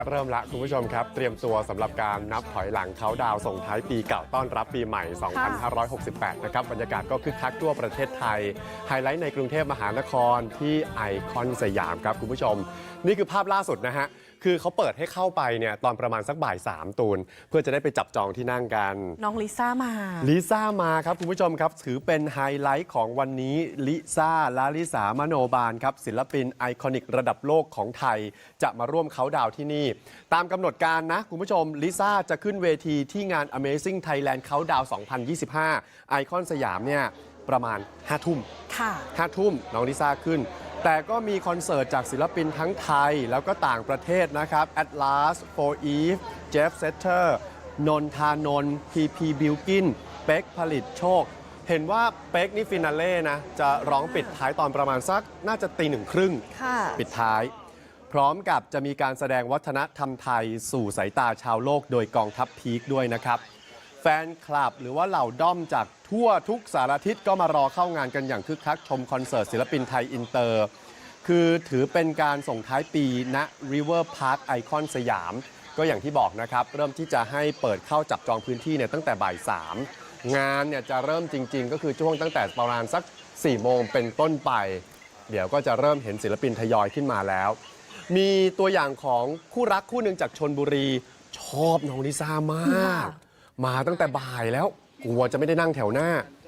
เริ่มละคุณผู้ชมครับเตรียมตัวสำหรับการนับถอยหลังเขาดาวส่งท้ายปีเก่าต้อนรับปีใหม่ 2568 นะครับบรรยากาศก็คึกคักทั่วประเทศไทยไฮไลท์ในกรุงเทพมหานครที่ไอคอนสยามครับคุณผู้ชมนี่คือภาพล่าสุดนะฮะคือเขาเปิดให้เข้าไปเนี่ยตอนประมาณสักบ่าย3ตูนเพื่อจะได้ไปจับจองที่นั่งกันน้องลิซ่ามาครับคุณผู้ชมครับถือเป็นไฮไลท์ของวันนี้ลิซ่าลาลิสามโนบาลครับศิลปินไอคอนิกระดับโลกของไทยจะมาร่วมเขาดาวที่นี่ตามกำหนดการนะคุณผู้ชมลิซ่าจะขึ้นเวทีที่งาน Amazing Thailand Countdown 2025 ไอคอนสยามเนี่ยประมาณ 5 ทุ่มค่ะ 5 ทุ่มน้องลิซ่าขึ้นแต่ก็มีคอนเสิร์ตจากศิลปินทั้งไทยแล้วก็ต่างประเทศนะครับ Atlas, For Eve, Jeff Setter นนทานนท์ PP Bilkin เป็กผลิตโชคเห็นว่าเป็กนี่ฟินาเล่นะจะร้องปิดท้ายตอนประมาณสักน่าจะ1:30 ค่ะปิดท้ายพร้อมกับจะมีการแสดงวัฒนธรรมไทยสู่สายตาชาวโลกโดยกองทัพพีคด้วยนะครับแฟนคลับหรือว่าเหล่าด้อมจากทั่วทุกสารทิศก็มารอเข้างานกันอย่างคึกคักชมคอนเสิร์ตศิลปินไทยอินเตอร์คือถือเป็นการส่งท้ายปีณ River Park ไอคอนสยามก็อย่างที่บอกนะครับเริ่มที่จะให้เปิดเข้าจับจองพื้นที่เนี่ยตั้งแต่บ่าย3งานเนี่ยจะเริ่มจริงๆก็คือช่วงตั้งแต่ประมาณสัก4 โมงเป็นต้นไปเดี๋ยวก็จะเริ่มเห็นศิลปินทยอยขึ้นมาแล้วมีตัวอย่างของคู่รักคู่หนึ่งจากชลบุรีชอบน้องลิซ่ามากมาตั้งแต่บ่ายแล้วกลัวจะไม่ได้นั่งแถวหน้า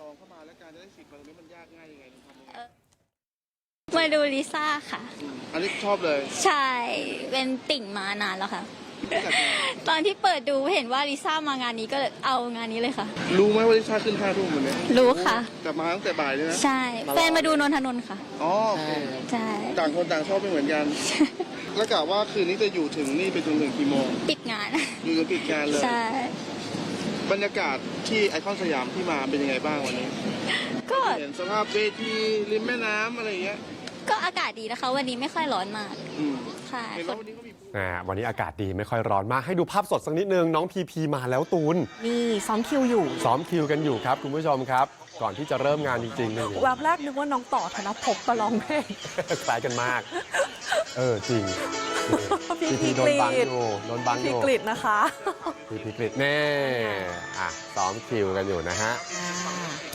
มาดูลิซ่าค่ะอันนี้ชอบเลยใช่เป็นติ่งมานานแล้วค่ะตอนที่เปิดดูเห็นว่าลิซ่ามางานนี้ก็เอางานนี้เลยค่ะรู้ไหมว่าลิซ่าขึ้น5 ทุ่มวันนี้รู้ค่ะแต่มาตั้งแต่บ่ายเลยนะใช่แฟนมาดูนนทนนท์ค่ะอ๋อใช่ต่างคนต่างชอบไม่เหมือนกันแล้วกะว่าคืนนี้จะอยู่ถึงนี่ไปจนถึงกี่โมงปิดงานอยู่จนปิดงานเลยใช่บรรยากาศที่ไอคอนสยามที่มาเป็นยังไงบ้างวันนี้ก็เห็นสภาพเวทีริมแม่น้ำอะไรอย่างเงี้ยก็อากาศดีนะคะวันนี้ไม่ค่อยร้อนมากค่ะวันนี้อากาศดีไม่ค่อยร้อนมากให้ดูภาพสดสักนิดนึงน้องพีพีมาแล้วตูนนี่ซ้อมคิวอยู่ซ้อมคิวกันอยู่ครับคุณผู้ชมครับก่อนที่จะเริ่มงานจริงๆนี่แวบแรกนึกว่าน้องต่อธนภพมาร้องเพลงคล้ายกันมากจริงพีโดนบังอยู่พีกฤษนะคะพีกฤษแน่ซ้อมคิวกันอยู่นะฮะ